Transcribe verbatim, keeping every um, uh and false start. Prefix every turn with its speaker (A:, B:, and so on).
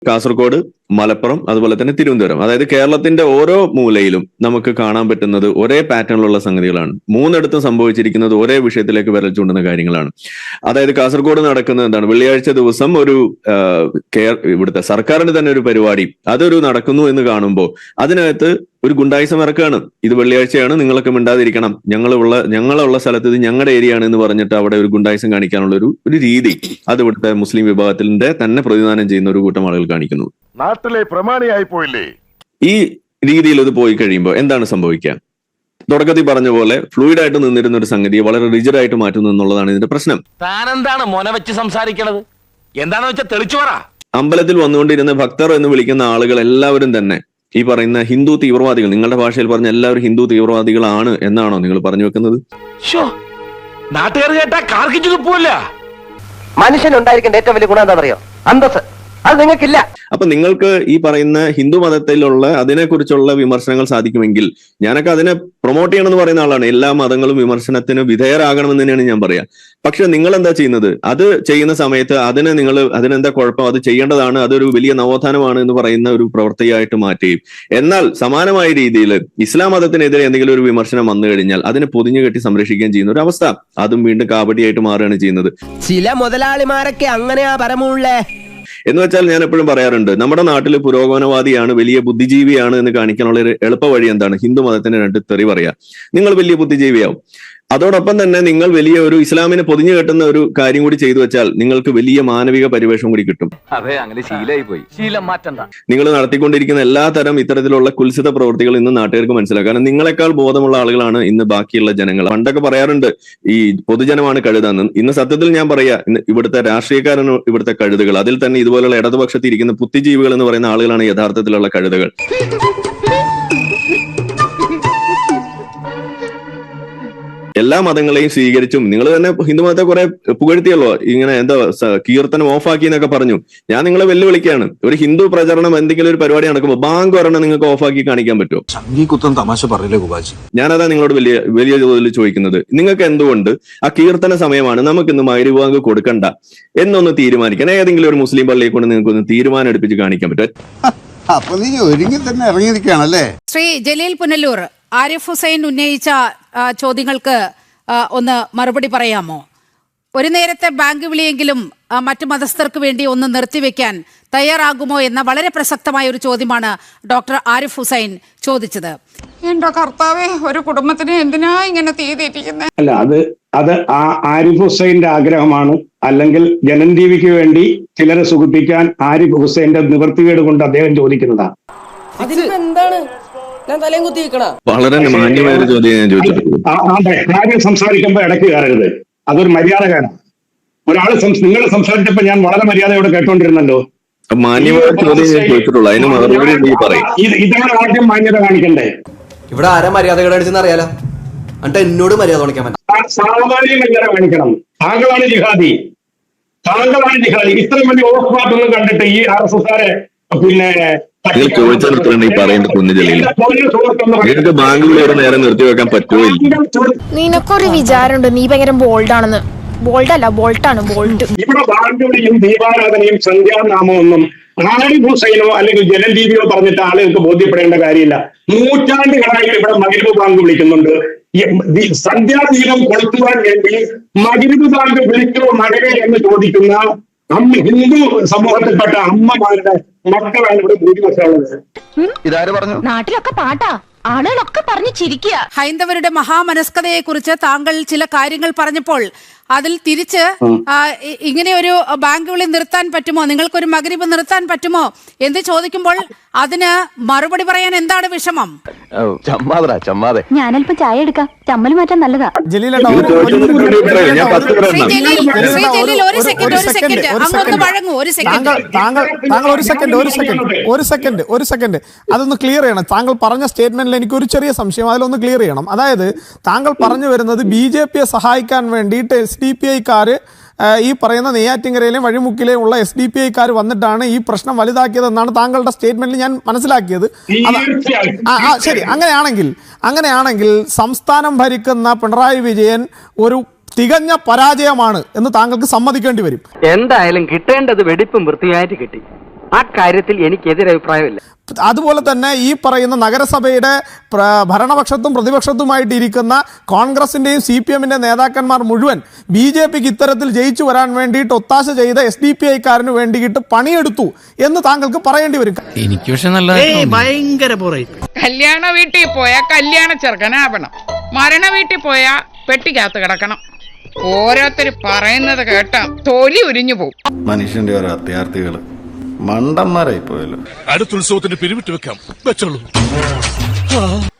A: കാസർഗോഡ്, മലപ്പുറം, അതുപോലെ തന്നെ തിരുവനന്തപുരം. അതായത് കേരളത്തിന്റെ ഓരോ മൂലയിലും നമുക്ക് കാണാൻ പറ്റുന്നത് ഒരേ പാറ്റേണിലുള്ള സംഗതികളാണ്. മൂന്നിടത്തും സംഭവിച്ചിരിക്കുന്നത് ഒരേ വിഷയത്തിലേക്ക് വിരൽ ചൂണ്ടുന്ന കാര്യങ്ങളാണ്. അതായത് കാസർഗോഡ് നടക്കുന്നത് എന്താണ്? വെള്ളിയാഴ്ച ദിവസം ഒരു ഇവിടുത്തെ സർക്കാരിന്റെ തന്നെ ഒരു പരിപാടി അതൊരു നടക്കുന്നു എന്ന് കാണുമ്പോൾ അതിനകത്ത് ഒരു ഗുണ്ടായിസം ഇറക്കുകയാണ്. ഇത് വെള്ളിയാഴ്ചയാണ്, നിങ്ങളൊക്കെ മിണ്ടാതിരിക്കണം, ഞങ്ങളുള്ള ഞങ്ങളുള്ള സ്ഥലത്ത് ഇത് ഞങ്ങളുടെ ഏരിയ ആണ് എന്ന് പറഞ്ഞിട്ട് അവിടെ ഒരു ഗുണ്ടായിസം കാണിക്കാനുള്ള ഒരു ഒരു രീതി അത് ഇവിടുത്തെ മുസ്ലിം വിഭാഗത്തിന്റെ തന്നെ പ്രതിനിധാനം ചെയ്യുന്ന ഒരു കൂട്ടം ആളുകൾ കാണിക്കുന്നു.
B: നാട്ടിലെ പ്രമാണിയായി പോയില്ലേ?
A: ഈ രീതിയിൽ ഇത് പോയി കഴിയുമ്പോൾ എന്താണ് സംഭവിക്കുക? തുടക്കത്തിൽ പറഞ്ഞ പോലെ ഫ്ലൂയിഡ് ആയിട്ട് നിന്നിരുന്ന ഒരു സംഗതിയെ വളരെ റിജിഡ് ആയിട്ട് മാറ്റുന്നു എന്നുള്ളതാണ് ഇതിന്റെ പ്രശ്നം.
C: താനെന്താണ് മോന വെച്ച് സംസാരിക്കണത്? എന്താണെന്ന് വെച്ചാൽ തെളിച്ചു പറ.
A: അമ്പലത്തിൽ വന്നുകൊണ്ടിരുന്ന ഭക്തർ എന്ന് വിളിക്കുന്ന ആളുകൾ എല്ലാവരും തന്നെ ഈ പറയുന്ന ഹിന്ദു തീവ്രവാദികൾ, നിങ്ങളുടെ ഭാഷയിൽ പറഞ്ഞ എല്ലാവരും ഹിന്ദു തീവ്രവാദികളാണ് എന്നാണോ നിങ്ങൾ പറഞ്ഞു വെക്കുന്നത്?
C: നാട്ടുകാർ കേട്ടാ കാർക്കിച്ചു തുപ്പൂല്ല.
D: മനുഷ്യൻ ഉണ്ടായിരിക്കേണ്ട ഏറ്റവും വലിയ ഗുണം എന്താണെന്നറിയോ? അന്തസ്. അത് നിങ്ങൾക്കില്ല.
A: അപ്പൊ നിങ്ങൾക്ക് ഈ പറയുന്ന ഹിന്ദു മതത്തിലുള്ള അതിനെക്കുറിച്ചുള്ള വിമർശനങ്ങൾ സാധിക്കുമെങ്കിൽ, ഞാനൊക്കെ അതിനെ പ്രൊമോട്ട് ചെയ്യണമെന്ന് പറയുന്ന ആളാണ്. എല്ലാ മതങ്ങളും വിമർശനത്തിന് വിധേയരാകണമെന്ന് തന്നെയാണ് ഞാൻ പറയാ. പക്ഷെ നിങ്ങൾ എന്താ ചെയ്യുന്നത്? അത് ചെയ്യുന്ന സമയത്ത് അതിനെ നിങ്ങൾ അതിനെന്താ കുഴപ്പം, അത് ചെയ്യേണ്ടതാണ്, അതൊരു വലിയ നവോത്ഥാനമാണ് എന്ന് പറയുന്ന ഒരു പ്രവൃത്തിയായിട്ട് മാറ്റുകയും, എന്നാൽ സമാനമായ രീതിയിൽ ഇസ്ലാം മതത്തിനെതിരെ എന്തെങ്കിലും ഒരു വിമർശനം വന്നു കഴിഞ്ഞാൽ അതിനെ പൊതിഞ്ഞു കെട്ടി സംരക്ഷിക്കുകയും ചെയ്യുന്ന ഒരു അവസ്ഥ, അതും വീണ്ടും കാപടിയായിട്ട് മാറുകയാണ് ചെയ്യുന്നത്.
D: ചില മുതലാളിമാരൊക്കെ അങ്ങനെയാ പരമുള്ളേ
A: എന്ന് വെച്ചാൽ ഞാൻ എപ്പോഴും പറയാറുണ്ട്, നമ്മുടെ നാട്ടിൽ പുരോഗമനവാദിയാണ്, വലിയ ബുദ്ധിജീവിയാണ് എന്ന് കാണിക്കാനുള്ള ഒരു എളുപ്പ വഴി എന്താണ്? ഹിന്ദു മതത്തിന് രണ്ട് തെറി പറയാ, നിങ്ങൾ വലിയ ബുദ്ധിജീവിയാവും. അതോടൊപ്പം തന്നെ നിങ്ങൾ വലിയ ഒരു ഇസ്ലാമിനെ പൊതിഞ്ഞു കെട്ടുന്ന ഒരു കാര്യം കൂടി ചെയ്തു വെച്ചാൽ നിങ്ങൾക്ക് വലിയ മാനവിക പരിവേഷം കൂടി കിട്ടും.
C: അതെ, അങ്ങനെ ശീലമായി പോയി. ശീലം മാറ്റണ്ട.
A: നിങ്ങൾ നടത്തിക്കൊണ്ടിരിക്കുന്ന എല്ലാ തരം ഇത്തരത്തിലുള്ള കുൽസിത പ്രവൃത്തികൾ ഇന്ന് നാട്ടുകാർക്ക് മനസ്സിലാക്കാം. കാരണം നിങ്ങളെക്കാൾ ബോധമുള്ള ആളുകളാണ് ഇന്ന് ബാക്കിയുള്ള ജനങ്ങൾ. പണ്ടൊക്കെ പറയാറുണ്ട് ഈ പൊതുജനമാണ് കഴുതാന്ന്. ഇന്ന് സത്യത്തിൽ ഞാൻ പറയാ, ഇന്ന് ഇവിടുത്തെ രാഷ്ട്രീയക്കാരാണ് ഇവിടുത്തെ കഴുതുകൾ. അതിൽ തന്നെ ഇതുപോലുള്ള ഇടതുപക്ഷത്തിൽ ഇരിക്കുന്ന ബുദ്ധിജീവികൾ എന്ന് പറയുന്ന ആളുകളാണ് യഥാർത്ഥത്തിലുള്ള കഴുതകൾ. എല്ലാ മതങ്ങളെയും സ്വീകരിച്ചും നിങ്ങൾ തന്നെ ഹിന്ദു മതത്തെ കുറെ പുകഴ്ത്തിയല്ലോ, ഇങ്ങനെ എന്താ കീർത്തനം ഓഫാക്കി എന്നൊക്കെ പറഞ്ഞു. ഞാൻ നിങ്ങളെ വെല്ലുവിളിക്കുകയാണ്. ഒരു ഹിന്ദു പ്രചരണം എന്തെങ്കിലും ഒരു പരിപാടി നടക്കുമ്പോൾ ബാങ്ക് ഒരെണ്ണം നിങ്ങൾക്ക് ഓഫാക്കി കാണിക്കാൻ പറ്റുമോ?
E: തമാശ പറയില്ലേ ഗുബാജി?
A: ഞാനതാ നിങ്ങളോട് വലിയ വലിയ തോതിൽ ചോദിക്കുന്നത്. നിങ്ങൾക്ക് എന്തുകൊണ്ട് ആ കീർത്തന സമയമാണ്, നമുക്ക് ഇന്ന് മഗ്‌രിബ് ബാങ്ക് കൊടുക്കണ്ട എന്നൊന്ന് തീരുമാനിക്കാൻ ഏതെങ്കിലും ഒരു മുസ്ലിം പള്ളിയെ കൊണ്ട് നിങ്ങൾക്ക് ഒന്ന് തീരുമാനം എടുപ്പിച്ച് കാണിക്കാൻ പറ്റും?
F: അപ്പൊ നീ ഒരുങ്ങി തന്നെ ഇറങ്ങിയിരിക്കുകയാണല്ലേ?
G: ശ്രീ ജലീൽ പുനലൂർ, ആരിഫ് ഹുസൈൻ ഉന്നയിച്ച ചോദ്യങ്ങൾക്ക് ഒന്ന് മറുപടി പറയാമോ? ഒരു നേരത്തെ ബാങ്ക് വിളിയെങ്കിലും മറ്റു മതസ്ഥർക്ക് വേണ്ടി ഒന്ന് നിർത്തിവെക്കാൻ തയ്യാറാകുമോ എന്ന വളരെ പ്രസക്തമായ ഒരു ചോദ്യമാണ് ഡോക്ടർ ആരിഫ് ഹുസൈൻ ചോദിച്ചത്.
H: എന്റെ കർത്താവേ, ഒരു കുടുംബത്തിന് എന്തിനാ ഇങ്ങനെ തീ തെറ്റിക്കുന്നത്?
I: അല്ല, അത് അത് ആ ആരിഫ് ഹുസൈന്റെ ആഗ്രഹമാണ്. അല്ലെങ്കിൽ ജനൻ ടി വിക്ക് വേണ്ടി ചിലരെ സുഖിപ്പിക്കാൻ ആരിഫ് ഹുസൈന്റെ നിവൃത്തികേട് കൊണ്ട് അദ്ദേഹം ചോദിക്കുന്നതാണ്.
D: എന്താണ് ഞാൻ തലയും കുത്തി വെക്കണ?
A: വളരെ മാന്യമായ ചോദ്യം ഞാൻ ചോദിച്ചിട്ടുള്ളൂ.
I: കാര്യം സംസാരിക്കുമ്പോ ഇടയ്ക്ക് കയറരുത്, അതൊരു മര്യാദയാണ്. ഒരാള് നിങ്ങൾ സംസാരിച്ചപ്പോ ഞാൻ വളരെ മര്യാദയോടെ കേട്ടോണ്ടിരുന്നല്ലോ.
A: മാന്യമായ ചോദ്യം ഞാൻ ചോദിച്ചിട്ടുള്ളൂ, അതിന് മറുപടി നീ പറയും.
I: ഇതാണ് ആദ്യം മാന്യത കാണിക്കണ്ടേ?
D: ഇവിടെ ആരാ മര്യാദകൾ അടിച്ചെന്ന് അറിയാലോ, എന്നിട്ട് എന്നോട് മര്യാദ കാണിക്കാൻ പറ്റും.
I: സാമാന്യ മര്യാദ കാണിക്കണം. താങ്കളാണ് ജിഹാദി, താങ്കളാണ് ജിഹാദി. ഇത്രയും വലിയ ഓഫ് പാർട്ടൊന്നും കണ്ടിട്ട് ഈ ആർ എസ് എസ്കാരെ പിന്നെ
A: ചോദിച്ചാൽ ഈ പറയേണ്ട കുഞ്ഞുജലിയിൽ ബാംഗ്ലൂർ നേരെ നിർത്തിവെക്കാൻ പറ്റുമോ?
J: നിനക്കൊരു വിചാരമുണ്ട് നീ ഭയങ്കര ബോൾഡ് ആണെന്ന്. ബോൾഡ് അല്ല, ബോൾട്ടാണ് ബോൾട്ട്.
I: ഇവിടെ ബാങ്കുവിളിയും ദീപാരാധനയും സന്ധ്യാനാമമൊന്നും ആരിഫ് ഹുസൈനോ അല്ലെങ്കിൽ ജനൻ ടി വിയോ പറഞ്ഞിട്ട് ആളുകൾക്ക് ബോധ്യപ്പെടേണ്ട കാര്യമില്ല. നൂറ്റാണ്ടുകളായി ഇവിടെ മഗ്‌രിബ് ബാങ്ക് വിളിക്കുന്നുണ്ട്. സന്ധ്യാദീപം കൊളുത്തുവാൻ വേണ്ടി മഗ്‌രിബ് ബാങ്ക് വിളിക്കോ മകനെ എന്ന് ചോദിക്കുന്ന അമ്മ ഹിന്ദു സമൂഹത്തിൽപ്പെട്ട അമ്മമാരുടെ മക്കളാണ് ഇവിടെ ഭൂരിപക്ഷമുള്ളത്.
E: ഇതാര് പറഞ്ഞു?
J: നാട്ടിലൊക്കെ പാട്ടാ, ആളുകളൊക്കെ പറഞ്ഞു ചിരിക്കുക.
G: ഹൈന്ദവരുടെ മഹാമനസ്കതയെ കുറിച്ച് താങ്കൾ ചില കാര്യങ്ങൾ പറഞ്ഞപ്പോൾ അതിൽ തിരിച്ച് ഇങ്ങനെ ഒരു ബാങ്ക് വിളി നിർത്താൻ പറ്റുമോ, നിങ്ങൾക്കൊരു മഗ്‌രിബ് നിർത്താൻ പറ്റുമോ എന്ന് ചോദിക്കുമ്പോൾ അതിന് മറുപടി പറയാൻ എന്താണ് വിഷമം?
J: ഞാനല്പം ചായ എടുക്കാം, ചമ്മൽ മാറ്റാൻ നല്ലതാ.
K: അതൊന്ന് ക്ലിയർ ചെയ്യണം. താങ്കൾ പറഞ്ഞ സ്റ്റേറ്റ്മെന്റിൽ എനിക്ക് ഒരു ചെറിയ സംശയം, അതിലൊന്ന് ക്ലിയർ ചെയ്യണം. അതായത് താങ്കൾ പറഞ്ഞു വരുന്നത് ബി ജെ പിയെ സഹായിക്കാൻ വേണ്ടിയിട്ട് എസ് ഡി പി ഐക്കാര് ഈ പറയുന്ന നെയ്യാറ്റിൻകരയിലെയും വഴിമുക്കിലെയും ഉള്ള എസ് ഡി പി ഐക്കാർ വന്നിട്ടാണ് ഈ പ്രശ്നം വലുതാക്കിയതെന്നാണ് താങ്കളുടെ സ്റ്റേറ്റ്മെന്റിൽ ഞാൻ മനസ്സിലാക്കിയത്. ആ ശരി, അങ്ങനെയാണെങ്കിൽ അങ്ങനെയാണെങ്കിൽ സംസ്ഥാനം ഭരിക്കുന്ന പിണറായി വിജയൻ ഒരു തികഞ്ഞ പരാജയമാണ് എന്ന് താങ്കൾക്ക് സമ്മതിക്കേണ്ടി വരും.
D: എന്തായാലും കിട്ടേണ്ടത് വെടിപ്പും വൃത്തിയായിട്ട് കിട്ടി. ആ കാര്യത്തിൽ എനിക്ക് എതിരഭിപ്രായമില്ല.
K: അതുപോലെ തന്നെ ഈ പറയുന്ന നഗരസഭയുടെ പ്ര- ഭരണപക്ഷത്തും പ്രതിപക്ഷത്തുമായിട്ട് ഇരിക്കുന്ന കോൺഗ്രസിന്റെയും സി പി എമ്മിന്റെ നേതാക്കന്മാർ മുഴുവൻ ബി ജെ പിക്ക് ഇത്തരത്തിൽ ജയിച്ചു വരാൻ വേണ്ടിയിട്ട് ഒത്താശ ചെയ്ത എസ് ഡി പി ഐക്കാരന് വേണ്ടിയിട്ട് പണിയെടുത്തു എന്ന് താങ്കൾക്ക് പറയേണ്ടി വരും.
C: എനിക്ക് പക്ഷെ നല്ല
L: ഭയങ്കര
H: കല്യാണ വീട്ടിൽ പോയാ കല്യാണ ചെറുക്കനാവണം, മരണ വീട്ടിൽ പോയാ പെട്ടിക്കകത്ത് കിടക്കണം. ഓരോരുത്തർ പറയുന്നത് കേട്ടാ തൊലി ഉരിഞ്ഞു പോകും.
E: മനുഷ്യന്റെ ഓരോ അത്യാർത്ഥികള് മണ്ടന്മാരായി പോയല്ലോ.
B: അടുത്ത ഉത്സവത്തിന് പിരിവിട്ട് വെക്കാം വെച്ചോളൂ.